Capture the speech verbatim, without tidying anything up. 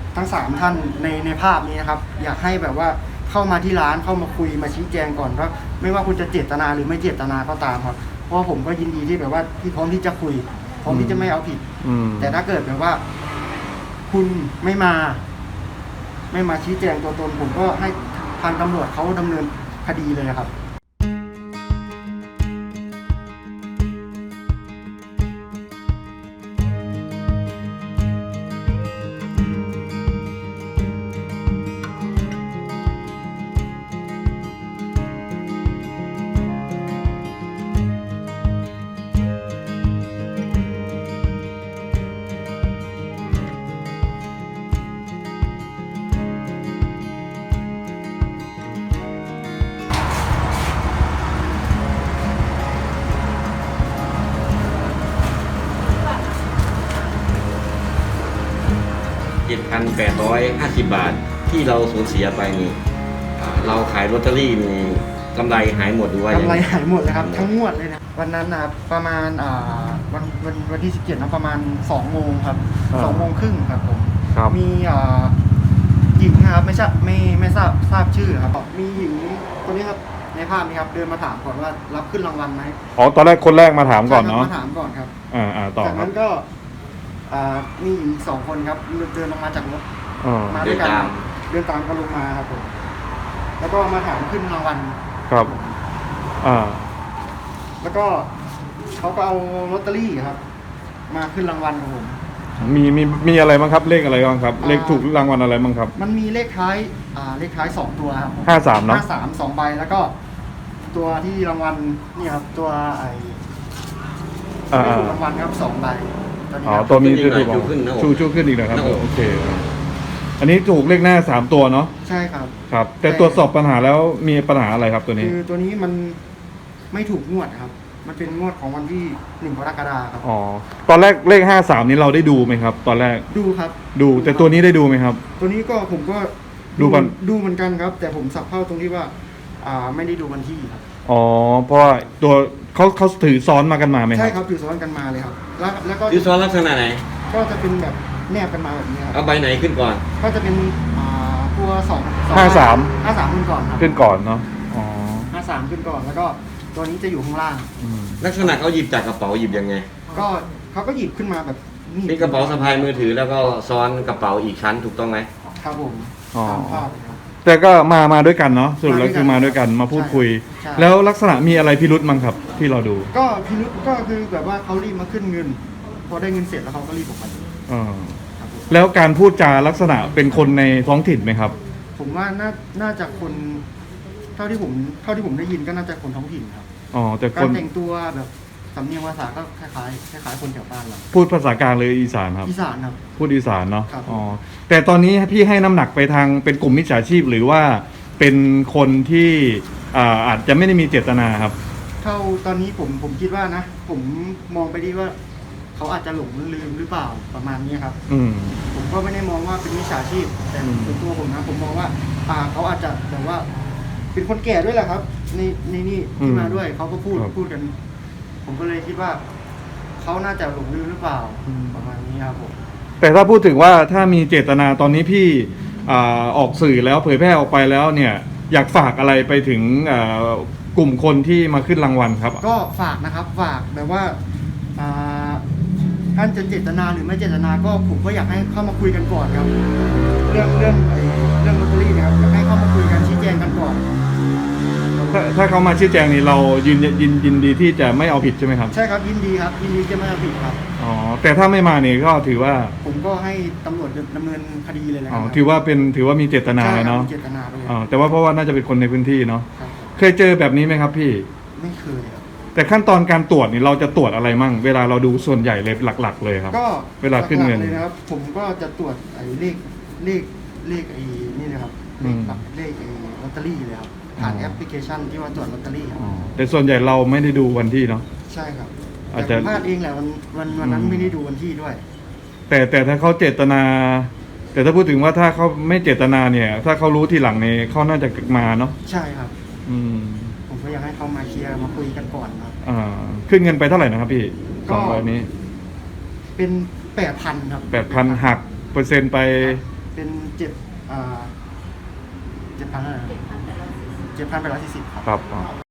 ทั้งสามท่านในในภาพนี้นะครับอยากให้แบบว่าเข้ามาที่ร้านเข้ามาคุยมาชี้แจงก่อนว่าไม่ว่าคุณจะเจตนาหรือไม่เจตนาก็ตามครับเพราะผมก็ยินดีที่แบบว่าที่พร้อมที่จะคุยพร้อมที่จะไม่เอาผิดแต่ถ้าเกิดแบบว่าคุณไม่มาไม่มาชี้แจงตัวตนผมก็ให้ทางตำรวจเขาดำเนินคดีเลยครับเจ็ดพันแปดร้อยห้าสิบบาทที่เราสูญเสียไปนี่เราขายลอตเตอรี่นี่กำไรหายหมดหรือว่ากำไรหายหมดเลยครับทั้งงวดเลยนะวันนั้นนะครับประมาณอ่าวันวันวันที่สิบเจ็ดนะประมาณสองโมงครับสองโมงครึ่งครับผมมีอ่าหญิงนะครับไม่ใช่ไม่ไม่ทราบทราบชื่อครับมีหญิงคนนี้ครับในภาพนี้ครับเดินมาถามก่อนว่ารับขึ้นรางวัลไหมอ๋อตอนแรกคนแรกมาถามก่อนเนาะมาถามก่อนครับอ่าอ่าต่อจากนั้นก็อ่ามีหญิงสองคนครับเดินลงมาจากรถมาด้วยกันเดินตามกันลงมาครับผมแล้วก็มาถามขึ้นรางวัลครับอ่าแล้วก็เขาก็เอาลอตเตอรี่ครับมาขึ้นรางวัลของผมมีมีมีอะไรบ้างครับเลขอะไรบ้างครับเลขถูกรางวัลอะไรบ้างครับมันมีเลขท้ายอ่าเลขท้ายสองตัวครับห้าสามเนาะห้าสามสองใบแล้วก็ตัวที่รางวัลนี่ครับตัวไอ้ไม่ถูกรางวัลครับสองใบอ๋อตัวมีที่ถูกชูชูขึ้นอีกนะครับโอเคอันนี้ถูกเลขหน้าสามตัวเนาะใช่ครับครับแต่ตรวจสอบปัญหาแล้วมีปัญหาอะไรครับตัวนี้คือตัวนี้มันไม่ถูกงวดครับมันเป็นงวดของวันที่หนึ่งกรกฎาคมครับอ๋อตอนแรกเลขห้าสามนี้เราได้ดูไหมครับตอนแรกดูครับดูแต่ตัวนี้ได้ดูไหมครับตัวนี้ก็ผมก็ดูกันดูเหมือนกันครับแต่ผมสับเข้าตรงที่ว่าอ่าไม่ได้ดูวันที่ครับอ๋อเพราะว่าตัวเขาเขาถือซ้อนมากันมาไหมใช่ครับถือซ้อนกันมาเลยครับแล้วแล้วก็ถือซ้อนลักษณะไหนก็จะเป็นแบบแนบกันมาแบบนี้ครับเอาใบไหนขึ้นก่อนก็จะเป็นอ่าตัวสองห้าสามห้าสามขึ้นก่อนครับขึ้นก่อนเนาะอ๋อห้าสามขึ้นก่อนแล้วก็ตัวนี้จะอยู่ข้างล่างลักษณะเขาหยิบจากกระเป๋าหยิบยังไงก็เขาก็หยิบขึ้นมาแบบนี่เป็นกระเป๋าสะพายมือถือแล้วก็ซ้อนกระเป๋าอีกชั้นถูกต้องไหมครับผมอ๋อแต่ก็มามาด้วยกันเนาะสรุปแล้วคือมาด้วยกันมาพูดคุยแล้วลักษณะมีอะไรพิรุธมั้งครับที่เราดูก็พิรุธก็คือแบบว่าเขารีบมาขึ้นเงินพอได้เงินเสร็จแล้วเขาก็รีบออกไปอ๋อแล้วการพูดจาลักษณะเป็นคนในท้องถิ่นไหมครับผมว่าน่าน่าจะคนเท่าที่ผมเท่าที่ผมได้ยินก็น่าจะคนท้องถิ่นครับอ๋อแต่การแต่งตัวแบบสำเนียงภาษาก็คล้ายๆคล้ายๆคนแถวบ้านเราพูดภาษากลางเลยอีสานครับอีสานครับพูดอีสานเนาะอ๋อแต่ตอนนี้พี่ให้น้ำหนักไปทางเป็นกลุ่มมิจฉาชีพหรือว่าเป็นคนที่อ่าอาจจะไม่ได้มีเจตนาครับเท่าตอนนี้ผมผมคิดว่านะผมมองไปดีว่าเขาอาจจะหลงลืมหรือเปล่าประมาณนี้ครับอืมผมก็ไม่ได้มองว่าเป็นมิจฉาชีพแต่ส่วนตัวผมนะผมมองว่าอ่าเขาอาจจะแบบว่าเป็นคนแก่ด้วยแหละครับในในนี่ที่มาด้วยเขาก็พูดพูดกันผมก็เลยคิดว่าเขาน่าจะหลงลืมหรือเปล่าประมาณนี้ครับผมแต่ถ้าพูดถึงว่าถ้ามีเจตนาตอนนี้พี่อ่าออกสื่อแล้วเผยแพร่ออกไปแล้วเนี่ยอยากฝากอะไรไปถึงอ่ากลุ่มคนที่มาขึ้นรางวัลครับก็ฝากนะครับฝากแบบว่าอ่าท่านจะเจตนาหรือไม่เจตนาก็ผมก็อยากให้เข้ามาคุยกันก่อนครับเรื่องเรื่องไอ้เรื่องลอตเตอรี่นะครับอยากให้เข้ามาคุยกันชี้แจงกันก่อนถ้าถ้าเขามาชี้แจงนี่เรายินยินยินดีที่จะไม่เอาผิดใช่ไหมครับใช่ครับยินดีครับยินดีจะไม่เอาผิดครับอ๋อแต่ถ้าไม่มาเนี่ยก็ถือว่าผมก็ให้ตำรวจดำเนินคดีเลยนะอ๋อถือว่าเป็นถือว่ามีเจตนาเนาะเจตนาเลยอ๋อแต่ว่าเพราะว่าน่าจะเป็นคนในพื้นที่เนาะเคยเจอแบบนี้ไหมครับพี่ไม่เคยครับแต่ขั้นตอนการตรวจนี่เราจะตรวจอะไรมั่งเวลาเราดูส่วนใหญ่เลยหลักๆเลยครับก็เวลาขึ้นเงินเลยนะครับผมก็จะตรวจไอ้เลขเลขเลขไอ้นี่นะครับเลขเลขไอ้ลอตเตอรี่เลยครับผ่านแอปพลิเคชันที่ว่าตรวจลอตเตอรี่ครับแต่ส่วนใหญ่เราไม่ได้ดูวันที่เนาะใช่ครับอาจจะพลาดเองแหละวันวันวันนั้นไม่ได้ดูวันที่ด้วยแต่แต่ถ้าเขาเจตนาแต่ถ้าพูดถึงว่าถ้าเขาไม่เจตนาเนี่ยถ้าเขารู้ทีหลังเนี่ยเขาน่าจะมาเนาะใช่ครับอืมผมก็อยากให้เขามาเคลียร์มาคุยกันก่อนครับอ่าขึ้นเงินไปเท่าไหร่นะครับพี่สองใบนี้เป็นแปดพันครับแปดพันหักเปอร์เซ็นต์ไปเเป็นเจ็ดอ่าเจ็ดพันเท่าไหร่เจ็ดพันแปดร้อยสี่สิบครับครับ